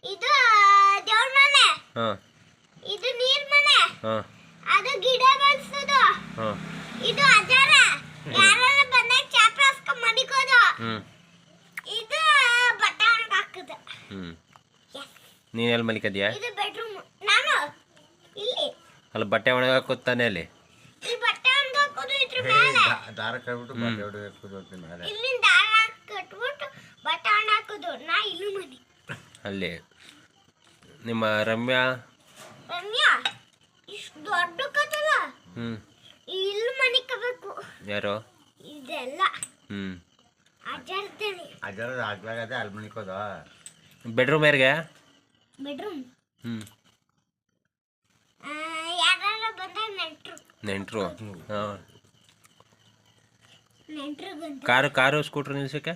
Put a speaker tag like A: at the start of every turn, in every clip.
A: ಇದು ದೇವ್ರ ಮನೆ. ಇದು ನೀರ್ ಮನೆ. ಅದು ಗಿಡ ಬೆಳೆಸೋದು. ಇದು ಅಜಾರ ಯಾರೆಲ್ಲ ಬಂದಾಗ ಚಾಪ್ರ ಹಾಸ್ಕೊಂಡ್ ಮಡಿಕೋದು. ಇದು ಬಟ್ಟೆ ಒಣಗ ಹಾಕೋದು.
B: ನೀನ್ ಎಲ್ಲಿ ಮಲಿಕದ್ಯಾ?
A: ಇದು ಬೆಡ್ರೂಮ್. ನಾನು ಇಲ್ಲಿ.
B: ಅಲ್ಲಿ ಬಟ್ಟೆ ಒಣಗ ಹಾಕೋದು ತಾನೆ ಅಲ್ಲಿ?
A: ಈ ಬಟ್ಟೆ ಒಣಗ ಹಾಕೋದು ಇದ್ರ ಮೇಲೆ.
C: ದಾರ ಕಟ್ಬಿಟ್ಟು ಬಟ್ಟೆ ಒಣಗ ಹಾಕೋದು ಮೇಲೆ.
A: ಇಲ್ಲಿಂದ ದಾರ ಕಟ್ಬಿಟ್ಟು ಬಟ್ಟೆ ಒಣಗ ಹಾಕೋದು. ನಾ ಇಲ್ಲೂ ಮನೆ.
B: ಅಲ್ಲಿ ನಿಮ್ಮ ರಮ್ಯಾ
A: ಇಷ್ಟು ದೊಡ್ಡ ಕತ್ತಲ. ಇಲ್ಲಿ ಮನೆ ಕಬೇಕು.
B: ಯಾರು?
A: ಇದೆಲ್ಲ ಅಜರ್ದೇನೆ.
C: ಅಜರದ ಆಗ್ಲಾಗದೆ ಅಲ್ಲಿ ಮನಿಕೋದು.
B: ಬೆಡ್ರೂಮ್ ಯಾರಿಗೆ?
A: ಬೆಡ್ರೂಮ್ ಯಾರು ಬಂದಾಗ ನೆಂಟ್ರು.
B: ಕಾರು ಸ್ಕೂಟ್ರ್ ನಿಲ್ಸಕ್ಕೆ?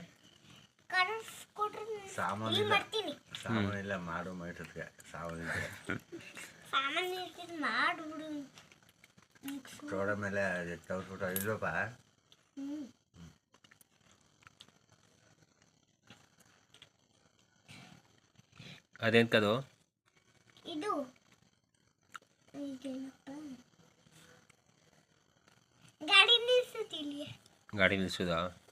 C: ಸಾಮಾನೆಲ್ಲ ಮಾಡು ಮೈಟಕ್ಕೆ
A: ಸಾಮಾನ್ಯ ಮಾಡ್ಬಿಡು.
C: ತೋಡ ಮೇಲೆ ತವ್ರಿಸ್ಬಿಟ್ಟು ಇಲ್ಲಪ್ಪ.
B: ಅದೇಂತದು?
A: ಇದು ಗಾಡಿ ನಿಲ್ಸುತ್ತಿಲ್ಲ.
B: ಗಾಡಿ ನಿಲ್ಸುದಾ?